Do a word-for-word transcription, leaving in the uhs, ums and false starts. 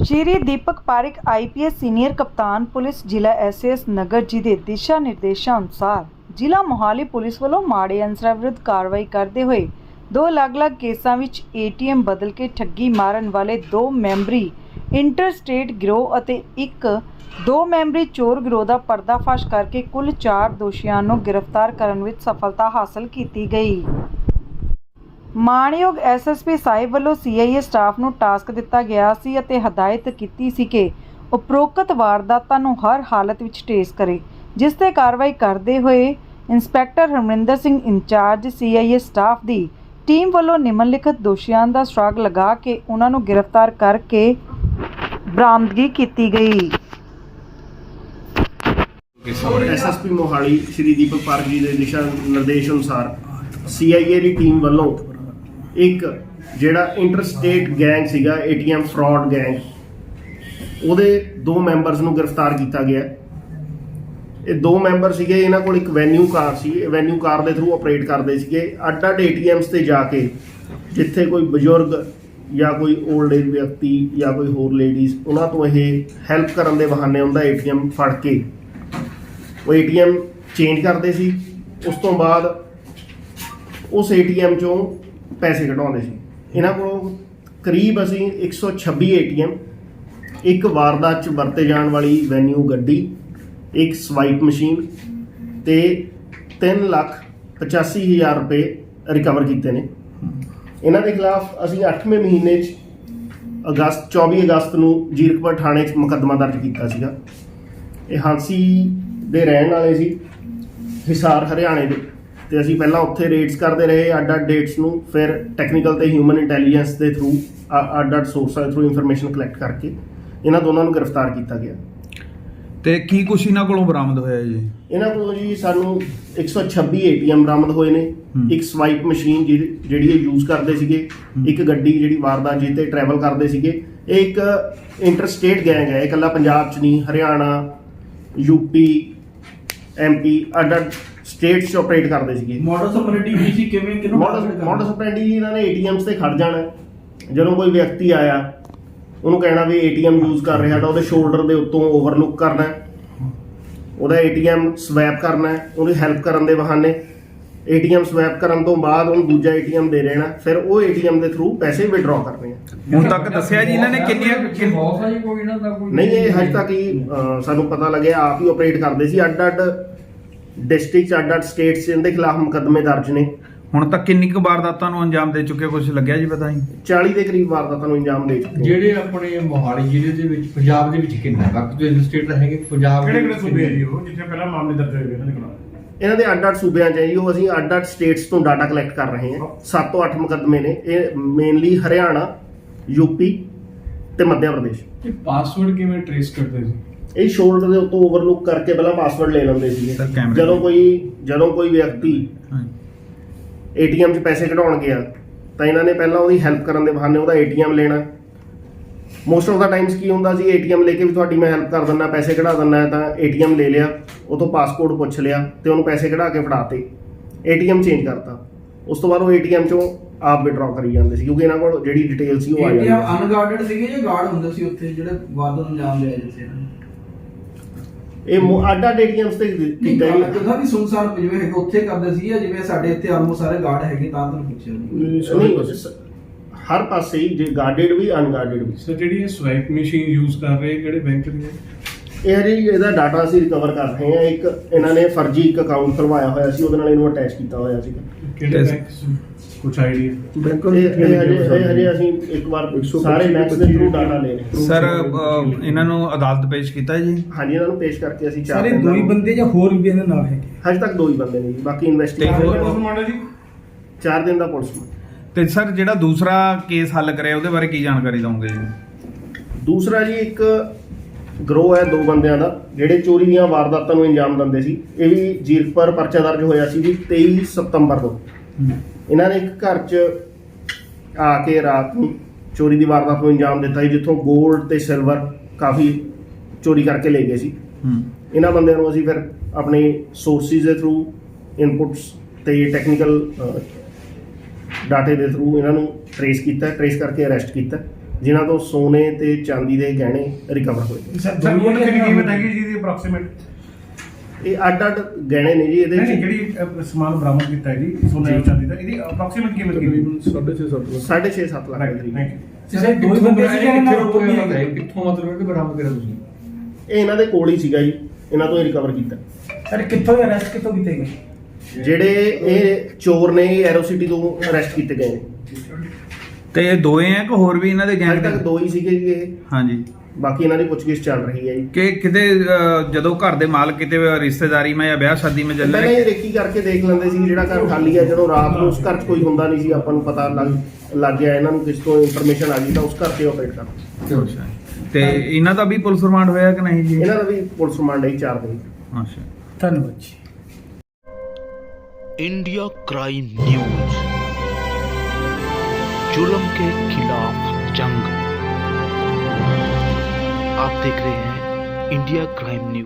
Shri Deepak Parik I P S senior ਕਪਤਾਨ police ਜ਼ਿਲ੍ਹਾ S A S Nagar ji ਦੇ ਦਿਸ਼ਾ ਨਿਰਦੇਸ਼ਾਂ ਅਨੁਸਾਰ ਜ਼ਿਲ੍ਹਾ ਮੋਹਾਲੀ ਪੁਲਿਸ ਵੱਲੋਂ ਮਾੜੇ ਅਨਸਰਾਂ ਵਿਰੁੱਧ ਕਾਰਵਾਈ ਕਰਦੇ ਹੋਏ ਦੋ ਅਲੱਗ-ਅਲੱਗ ਕੇਸਾਂ ਵਿੱਚ ਏ ਟੀ ਐਮ ਬਦਲ ਕੇ ਠੱਗੀ ਮਾਰਨ ਵਾਲੇ ਦੋ ਮੈਂਬਰੀ ਇੰਟਰਸਟੇਟ ਗਿਰੋਹ ਅਤੇ ਇੱਕ ਦੋ ਮੈਂਬਰੀ ਚੋਰ ਗਿਰੋਹ ਦਾ ਪਰਦਾਫਾਸ਼ ਕਰਕੇ ਕੁੱਲ ਚਾਰ ਦੋਸ਼ੀਆਂ ਨੂੰ ਗ੍ਰਿਫਤਾਰ ਕਰਨ ਵਿੱਚ ਸਫਲਤਾ ਹਾਸਲ ਕੀਤੀ ਗਈ। ਮਾਣਯੋਗ ਐਸ ਐਸ ਪੀ ਸਾਹਿਬ ਵੱਲੋਂ ਸੀ ਆਈ ਏ ਸਟਾਫ ਨੂੰ ਟਾਸਕ ਦਿੱਤਾ ਗਿਆ ਸੀ ਅਤੇ ਹਦਾਇਤ ਕੀਤੀ ਸੀ ਕਿ ਉਪਰੋਕਤ ਵਾਰਦਾਤਾਂ ਨੂੰ ਹਰ ਹਾਲਤ ਵਿੱਚ ਟ੍ਰੇਸ ਕਰੇ, ਜਿਸ ਤੇ ਕਾਰਵਾਈ ਕਰਦੇ ਹੋਏ inspector Harminder Singh incharge C I A staff ਦੀ ਟੀਮ ਵੱਲੋਂ ਨਿਮਨਲਿਖਤ ਦੋਸ਼ੀਆਂ ਦਾ ਸੁਰਾਗ ਲਗਾ ਕੇ ਉਹਨਾਂ ਨੂੰ ਗ੍ਰਿਫਤਾਰ ਕਰਕੇ ਬਰਾਮਦਗੀ ਕੀਤੀ ਗਈ। S S P Mohali Shri Deepak Parik ji ਦੇ ਦਿਸ਼ਾ ਨਿਰਦੇਸ਼ ਅਨੁਸਾਰ ਸੀ ਆਈ ਏ ਦੀ ਟੀਮ ਵੱਲੋਂ ਇੱਕ ਜਿਹੜਾ ਇੰਟਰਸਟੇਟ ਗੈਂਗ ਸੀਗਾ A T M fraud gang, ਉਹਦੇ ਦੋ ਮੈਂਬਰਸ ਨੂੰ ਗ੍ਰਿਫਤਾਰ ਕੀਤਾ ਗਿਆ। ਇਹ ਦੋ ਮੈਂਬਰ ਸੀਗੇ, ਇਹਨਾਂ ਕੋਲ ਇੱਕ ਵੈਨਿਊ ਕਾਰ ਸੀ, ਇਹ ਵੈਨਿਊ ਕਾਰ ਦੇ ਥਰੂ ਆਪਰੇਟ ਕਰਦੇ ਸੀਗੇ। ਅੱਡ ਅੱਡ ਏ ਟੀ ਐਮਸ ਤੇ ਜਾ ਕੇ ਜਿੱਥੇ ਕੋਈ ਬਜ਼ੁਰਗ ਜਾਂ ਕੋਈ ਓਲਡ ਏਜ ਵਿਅਕਤੀ ਜਾਂ ਕੋਈ ਹੋਰ ਲੇਡੀਜ਼, ਉਹਨਾਂ ਤੋਂ ਇਹ ਹੈਲਪ ਕਰਨ ਦੇ ਬਹਾਨੇ ਉਹਦਾ ਏ ਟੀ ਐਮ ਫੜ ਕੇ ਉਹ ਏ ਟੀ ਐਮ ਚੇਂਜ ਕਰਦੇ ਸੀ। ਉਸ ਤੋਂ ਬਾਅਦ ਉਸ ਏ ਟੀ ਐਮ ਚੋਂ ਪੈਸੇ ਕਢਾਉਂਦੇ ਸੀ। ਇਹਨਾਂ ਕੋਲੋਂ ਕਰੀਬ ਅਸੀਂ ਇੱਕ ਸੌ ਛੱਬੀ ਏ ਟੀ ਐਮ, ਇੱਕ ਵਾਰਦਾਤ 'ਚ ਵਰਤੇ ਜਾਣ ਵਾਲੀ ਵੈਨਿਊ ਗੱਡੀ, ਇੱਕ ਸਵਾਈਪ ਮਸ਼ੀਨ ਤੇ ਤਿੰਨ ਲੱਖ ਪਚਾਸੀ ਹਜ਼ਾਰ ਰੁਪਏ ਰਿਕਵਰ ਕੀਤੇ ਨੇ। ਇਹਨਾਂ ਦੇ ਖਿਲਾਫ ਅਸੀਂ ਅੱਠਵੇਂ ਮਹੀਨੇ 'ਚ ਅਗਸਤ ਚੌਵੀ ਅਗਸਤ ਨੂੰ ਜੀਰਕਪੁਰ ਥਾਣੇ 'ਚ ਮੁਕੱਦਮਾ ਦਰਜ ਕੀਤਾ ਸੀਗਾ। ਇਹ ਹਾਂਸੀ ਦੇ ਰਹਿਣ ਵਾਲੇ ਸੀ, ਹਿਸਾਰ ਹਰਿਆਣੇ ਦੇ, ਤੇ ਅਸੀਂ ਪਹਿਲਾਂ ਉੱਥੇ ਰੇਡਸ ਕਰਦੇ ਰਹੇ ਅੱਡ ਅੱਡ ਡੇਟਸ ਨੂੰ, ਫਿਰ ਟੈਕਨੀਕਲ ਤੇ ਹਿਊਮਨ ਇੰਟੈਲੀਜੈਂਸ ਦੇ ਥਰੂ ਅੱਡ ਅੱਡ ਸੋਰਸਾਂ ਦੇ ਥਰੂ ਇਨਫੋਰਮੇਸ਼ਨ ਕਲੈਕਟ ਕਰਕੇ ਇਹਨਾਂ ਦੋਨਾਂ ਨੂੰ ਗ੍ਰਿਫਤਾਰ ਕੀਤਾ ਗਿਆ। ਤੇ ਕੀ ਕੁਛ ਇਹਨਾਂ ਕੋਲੋਂ ਬਰਾਮਦ ਹੋਇਆ ਜੀ? ਇਹਨਾਂ ਕੋਲੋਂ ਜੀ ਸਾਨੂੰ ਇੱਕ ਸੌ ਛੱਬੀ ਏ ਟੀ ਐਮ ਬਰਾਮਦ ਹੋਏ ਨੇ, ਇੱਕ ਸਵਾਈਪ ਮਸ਼ੀਨ ਜਿਹੜੀ ਇਹ ਯੂਜ਼ ਕਰਦੇ ਸੀਗੇ, ਇੱਕ ਗੱਡੀ ਜਿਹੜੀ ਵਾਰਦਾਤ ਜੀ ਤੇ ਟਰੈਵਲ ਕਰਦੇ ਸੀਗੇ। ਇਹ ਇੱਕ ਇੰਟਰਸਟੇਟ ਗੈਂਗ ਹੈ, ਇਹ ਇਕੱਲਾ ਪੰਜਾਬ 'ਚ ਨਹੀਂ, ਹਰਿਆਣਾ, ਯੂਪੀ, ਐਮ ਪੀ ਅੱਡ ਅੱਡ ਸਟੇਟਸ 'ਚ ਆਪਰੇਟ ਕਰਦੇ ਸੀਗੇ। ਮੋਡਸ ਆਪਰੇਟਿਵ ਕੀ ਸੀ, ਕਿਵੇਂ ਕਿਹਨੂੰ ਮੋਡਸ ਆਪਰੇਟਿਵ ਇਹਨਾਂ ਨੇ ਏ ਟੀ ਐਮਸ ਤੇ ਖੜ ਜਾਣਾ। ਜਦੋਂ ਕੋਈ ਵਿਅਕਤੀ ਆਇਆ ਉਹਨੂੰ ਕਹਿਣਾ ਵੀ ਏ ਟੀ ਐਮ ਯੂਜ਼ ਕਰ ਰਿਹਾ, ਤਾਂ ਉਹਦੇ ਸ਼ੋਲਡਰ ਦੇ ਉੱਤੋਂ ਓਵਰਲੁੱਕ ਕਰਨਾ, ਉਹਦਾ ਏ ਟੀ ਐਮ ਸਵੈਪ ਕਰਨਾ, ਉਹਦੀ ਹੈਲਪ ਕਰਨ ਦੇ ਬਹਾਨੇ ਏ ਟੀ ਐਮ ਸਵੈਪ ਕਰਨ ਤੋਂ ਬਾਅਦ ਉਹਨੂੰ ਦੂਜਾ ਏ ਟੀ ਐਮ ਦੇ ਦੇਣਾ, ਫਿਰ ਉਹ ਏ ਟੀ ਐਮ ਦੇ ਥਰੂ ਪੈਸੇ ਵਿਡਰਾਅ ਕਰਨੇ ਆ। ਹੁਣ ਤੱਕ ਦੱਸਿਆ ਜੀ ਇਹਨਾਂ ਨੇ ਕਿੰਨੀਆਂ ਕੋਈ ਇਹਨਾਂ ਦਾ ਕੋਈ ਨਹੀਂ, ਇਹ ਹਜੇ ਤੱਕ ਹੀ ਸਾਨੂੰ ਪਤਾ ਲੱਗਿਆ, ਆਪ ਹੀ ਆਪਰੇਟ ਕਰਦੇ ਸੀ। ਅੱਡ ਅੱਡ ਡਿਸਟ੍ਰਿਕਟ, ਅੱਡ ਅੱਡ ਸਟੇਟਸ ਇਹਦੇ ਖਿਲਾਫ ਮੁਕੱਦਮੇ ਦਰਜ ਨੇ। ਹੁਣ ਤੱਕ ਕਿੰਨੀ ਕੁ ਵਾਰਦਾਤਾਂ ਨੂੰ ਅੰਜਾਮ ਦੇ ਚੁੱਕੇ, ਕੁਝ ਲੱਗਿਆ ਜੀ ਪਤਾ ਨਹੀਂ? ਚਾਲੀ ਦੇ ਕਰੀਬ ਵਾਰਦਾਤਾਂ ਨੂੰ ਅੰਜਾਮ ਦੇ ਚੁੱਕੇ। ਜਿਹੜੇ ਆਪਣੇ ਮੋਹਾਲੀ ਜ਼ਿਲ੍ਹੇ ਦੇ ਵਿੱਚ ਪੰਜਾਬ ਦੇ ਵਿੱਚ ਕਿੰਨਾ ਬਾਕੀ ਦੇ ਸਟੇਟ ਹੈਗੇ ਪੰਜਾਬ ਕਿਹੜੇ ਕਿਹੜੇ ਸੂਬੇ ਆ ਜੀ ਉਹ ਜਿੱਥੇ ਪਹਿਲਾਂ ਮਾਮਲੇ ਦਰਜ ਹੋਏ ਇਹਨਾਂ ਦੇ ਖਿਲਾਫ? ਇਹਨਾਂ ਦੇ ਅੱਡ ਅੱਡ ਸੂਬਿਆਂ 'ਚ ਹੈ ਜੀ, ਉਹ ਅਸੀਂ ਅੱਡ ਅੱਡ ਸਟੇਟਸ ਤੋਂ ਡਾਟਾ ਕਲੈਕਟ ਕਰ ਰਹੇ ਹਾਂ। ਸੱਤ ਤੋਂ ਅੱਠ ਮੁਕੱਦਮੇ ਨੇ, ਇਹ ਮੇਨਲੀ ਹਰਿਆਣਾ, ਯੂਪੀ ਤੇ ਮੱਧ ਪ੍ਰਦੇਸ਼। ਇਹ ਪਾਸਵਰਡ ਕਿਵੇਂ ਟ੍ਰੇਸ ਕਰਦੇ ਸੀ? ਇਹ ਸ਼ੋਲਡਰ ਦੇ ਉੱਤੋਂ ਓਵਰਲੁੱਕ ਕਰਕੇ ਪਹਿਲਾਂ ਪਾਸਵਰਡ ਲੈ ਲੈਂਦੇ ਸੀਗੇ। ਜਦੋਂ ਕੋਈ ਜਦੋਂ ਕੋਈ ਵਿਅਕਤੀ ਏ ਟੀ ਐਮ 'ਚ ਪੈਸੇ ਕਢਾਉਣ ਗਿਆ ਤਾਂ ਇਹਨਾਂ ਨੇ ਪਹਿਲਾਂ ਉਹਦੀ ਹੈਲਪ ਕਰਨ ਦੇ ਬਹਾਨੇ ਉਹਦਾ ਏ ਟੀ ਐਮ ਲੈਣਾ। ਮੋਸਟ ਆਫ ਦਾ ਟਾਈਮਸ ਕੀ ਹੁੰਦਾ ਸੀ, ਏ ਟੀ ਐਮ ਲੈ ਕੇ ਵੀ ਤੁਹਾਡੀ ਮੈਂ ਹੈਲਪ ਕਰ ਦਿੰਦਾ, ਪੈਸੇ ਕਢਾ ਦਿੰਦਾ, ਤਾਂ ਏ ਟੀ ਐਮ ਲੈ ਲਿਆ, ਉਹ ਤੋਂ ਪਾਸਪੋਰਟ ਪੁੱਛ ਲਿਆ ਤੇ ਉਹਨੂੰ ਪੈਸੇ ਕਢਾ ਕੇ ਫੜਾਤੇ, ਏ ਟੀ ਐਮ ਚੇਂਜ ਕਰਤਾ। ਉਸ ਤੋਂ ਬਾਅਦ ਉਹ ਏ ਟੀ ਐਮ 'ਚੋਂ ਆਪ ਵਿਡਰਾਅ ਕਰੀ ਜਾਂਦੇ ਸੀ, ਕਿਉਂਕਿ ਇਹਨਾਂ ਕੋਲ ਜਿਹੜੀ ਡਿਟੇਲ ਸੀ ਉਹ ਆ ਜਾਂਦੀ ਸੀ। ਅਨਗਾਰਡਡ ਸੀਗੇ ਜਾਂ ਗਾਰਡ ਹੁੰਦੇ ਸੀ ਉੱਥੇ ਜਿਹੜੇ ਵਾਰਦਾਤ ਨੂੰ ਅੰਜਾਮ ਲਿਆ ਜਾਂਦੇ ਸੀ? ਇਹ ਅੱਡ ਅੱਡ ਏ ਟੀ ਐਮਸ ਤੇ ਕੀਤਾ ਜੀ। ਜਗ੍ਹਾ ਵੀ ਸੁਨਸਾਨ ਜਿਵੇਂ ਹੈਗੇ ਉੱਥੇ ਕਰਦੇ ਸੀ, ਜਾਂ ਜਿਵੇਂ ਸਾਡੇ ਇੱਥੇ ਆਲਮੋਸਟ ਸਾਰੇ ਗਾਰਡ ਹੈਗੇ ਤਾਂ ਤੁਹਾਨੂੰ ਪੁੱਛਿਆ ਨਹੀਂ, ਹਰ ਪਾਸੇ ਹੀ, ਜੇ ਗਾਰਡਡ ਵੀ ਅਨਗਾਰਡਡ ਵੀ। ਸਰ ਜਿਹੜੀ ਇਹ ਸਵਾਈਪ ਮਸ਼ੀਨ ਯੂਜ਼ ਕਰ ਰਹੇ ਕਿਹੜੇ ਬੈਂਕ ਦੀ ਹੈ? ਇਹ ਜੀ ਇਹਦਾ ਡਾਟਾ ਅਸੀਂ ਰਿਕਵਰ ਕਰ ਰਹੇ ਹਾਂ। ਇੱਕ ਇਹਨਾਂ ਨੇ ਫਰਜ਼ੀ ਇੱਕ ਅਕਾਊਂਟ ਖੁਲਵਾਇਆ ਹੋਇਆ ਸੀ, ਉਹਦੇ ਨਾਲ ਇਹਨੂੰ ਅਟੈਚ ਕੀਤਾ ਹੋਇਆ ਸੀ। ਕਿਹੜੇ ਬੈਂਕ? ਕੁਝ ਆਈਡੀਆ? ਬੈਂਕ ਹਜੇ ਅਸੀਂ ਇੱਕ ਵਾਰ ਸਾਰੇ ਬੈਂਕਸ ਦੇ ਥਰੂ ਡਾਟਾ ਲੈ ਰਹੇ। ਸਰ ਇਹਨਾਂ ਨੂੰ ਅਦਾਲਤ ਪੇਸ਼ ਕੀਤਾ ਜੀ? ਹਾਂਜੀ, ਇਹਨਾਂ ਨੂੰ ਪੇਸ਼ ਕਰਕੇ ਅਸੀਂ ਚਾਰ ਸਾਰੇ ਦੋ ਹੀ ਬੰਦੇ ਜਾਂ ਹੋਰ ਵੀ ਇਹਦੇ ਨਾਲ ਹੈਗੇ? ਹਜੇ ਤੱਕ ਦੋ ਹੀ ਬੰਦੇ ਨੇ ਜੀ, ਬਾਕੀ ਇਨਵੈਸਟੀਗੇਸ਼ਨ ਚਾਰ ਦਿਨ ਦਾ ਪੁਲਿਸ ਨੂੰ। ਤੇ ਸਰ ਜਿਹੜਾ ਦੂਸਰਾ ਕੇਸ ਹੱਲ ਕਰਿਆ ਉਹਦੇ ਬਾਰੇ ਕੀ ਜਾਣਕਾਰੀ ਦਵਾਂਗੇ ਜੀ? ਦੂਸਰਾ ਜੀ ਇੱਕ ਗਰੋਹ ਹੈ ਦੋ ਬੰਦਿਆਂ ਦਾ, ਜਿਹੜੇ ਚੋਰੀ ਦੀਆਂ ਵਾਰਦਾਤਾਂ ਨੂੰ ਅੰਜਾਮ ਦਿੰਦੇ ਸੀ। ਇਹ ਵੀ ਜੀਰਕਪੁਰ ਪਰਚਾ ਦਰਜ ਹੋਇਆ ਸੀ ਜੀ ਤੇਈ ਸਤੰਬਰ ਨੂੰ। ਇਹਨਾਂ ਨੇ ਇੱਕ ਘਰ 'ਚ ਆ ਕੇ ਰਾਤ ਨੂੰ ਚੋਰੀ ਦੀ ਵਾਰਦਾਤ ਨੂੰ ਅੰਜਾਮ ਦਿੱਤਾ ਸੀ, ਜਿੱਥੋਂ ਗੋਲਡ ਤੇ ਸਿਲਵਰ ਕਾਫੀ ਚੋਰੀ ਕਰਕੇ ਲੈ ਗਏ ਸੀ। ਇਹਨਾਂ ਬੰਦਿਆਂ ਨੂੰ ਅਸੀਂ ਫਿਰ ਆਪਣੇ ਸੋਰਸਿਸ ਦੇ ਥਰੂ, ਇਨਪੁਟਸ ਤੇ ਟੈਕਨੀਕਲ ਡਾਟੇ ਦੇ ਥਰੂ ਇਹਨਾਂ ਨੂੰ ਟਰੇਸ ਕੀਤਾ, ਟਰੇਸ ਕਰਕੇ ਅਰੈਸਟ ਕੀਤਾ ਜਿਨ੍ਹਾਂ ਤੋਂ ਸੋਨੇ ਤੇ ਚਾਂਦੀ ਦੇ ਗਹਿਣੇ ਰਿਕਵਰ ਹੋਏ। ਸਰ ਦੁਨੀਆ ਦੀ ਕੀਮਤ ਹੈਗੀ ਜੀ ਦੀ ਅਪਰੋਕਸੀਮੇਟ ਇਹ ਅੱਡ ਅੱਡ ਗਹਿਣੇ ਨੇ ਜੀ, ਇਹਦੇ ਨਹੀਂ ਚ ਜਿਹੜੀ ਅਹ, ਸਮਾਨ ਬਰਾਮਦ ਕੀਤਾ ਹੈ ਜੀ ਸੋਨੇ ਤੇ ਚਾਂਦੀ ਦਾ, ਇਹਦੀ ਅਪਰੋਕਸੀਮੇਟ ਕੀਮਤ ਕਿੰਨੀ? ਸਾਢੇ ਛੇ ਸੱਤ ਲੱਖ ਦੇ ਕਰੀਬ। Thank you. ਸਰ ਦੋ ਹੀ ਬੰਦੇ ਸੀ ਜਿਹਨਾਂ ਨਾਲ ਕਿੱਥੋਂ ਹੋਰ ਵੀ ਮਤਲਬ ਹੈ ਹੈਗੇ। ਕਿੱਥੋਂ ਮਤਲਬ ਹੈ ਕਿ ਬਰਾਮਦ ਕਰਿਆ ਤੁਸੀਂ? ਇਹ ਇਹਨਾਂ ਦੇ ਕੋਲ ਹੀ ਸੀਗਾ ਜੀ, ਇਹਨਾਂ ਤੋਂ ਹੀ ਰਿਕਵਰ ਕੀਤਾ। ਸਰ ਕਿੱਥੋਂ ਅਰੈਸਟ ਕਿੱਥੋਂ ਕੀਤੇ ਗਏ? ਜਿਹੜੇ ਇਹ ਚੋਰ ਨੇ ਐਰੋ ਸਿਟੀ ਤੋਂ ਅਰੈਸਟ ਕੀਤੇ ਗਏ ਨੇ। ਤੇ ਇਹ ਦੋਏ ਆ ਕਿ ਹੋਰ ਵੀ ਇਹਨਾਂ ਦੇ ਅੱਜ ਗੈਂਗ ਤੱਕ ਦੋ ਹੀ ਸੀਗੇ ਜੀ ਇਹ, ਹਾਂਜੀ। ਬਾਕੀ ਇਹਨਾਂ ਦੀ ਪੁੱਛਗਿੱਛ ਚੱਲ ਰਹੀ ਹੈ ਜੀ। ਕਿ ਕਿਤੇ ਅਹ, ਜਦੋਂ ਘਰ ਦੇ ਮਾਲ ਕਿਤੇ ਰਿਸ਼ਤੇਦਾਰੀ ਮੈਂ ਜਾਂ ਵਿਆਹ ਸ਼ਾਦੀ ਮੈਂ ਚੱਲੇ ਪਹਿਲਾਂ ਇਹ ਰੇਕੀ ਕਰਕੇ ਦੇਖ ਲੈਂਦੇ ਸੀ ਜਿਹੜਾ ਘਰ ਖਾਲੀ ਹੈ, ਜਦੋਂ ਰਾਤ ਨੂੰ ਉਸ ਘਰ 'ਚ ਕੋਈ ਹੁੰਦਾ ਨਹੀਂ ਸੀ, ਆਪਾਂ ਨੂੰ ਪਤਾ ਲੱਗ ਲੱਗ ਗਿਆ ਇਹਨਾਂ ਨੂੰ, ਕਿਸ ਤੋਂ ਇਨਫੋਰਮੇਸ਼ਨ ਆ ਗਈ ਤਾਂ ਉਸ ਘਰ ਤੇ ਆਪਰੇਟ ਕਰਨਾ। ਅੱਛਾ। ਤੇ ਇਹਨਾਂ ਦਾ ਵੀ ਪੁਲਿਸ ਰਿਮਾਂਡ ਹੋਇਆ ਕਿ ਨਹੀਂ ਜੀ? ਇਹਨਾਂ ਦਾ ਵੀ ਪੁਲਿਸ ਰਿਮਾਂਡ ਹੈ ਚਾਰ ਦਿਨ। ਅੱਛਾ। ਧੰਨਵਾਦ ਜੀ। इंडिया क्राइम न्यूज, जुल्म के खिलाफ जंग। आप देख रहे हैं इंडिया क्राइम न्यूज।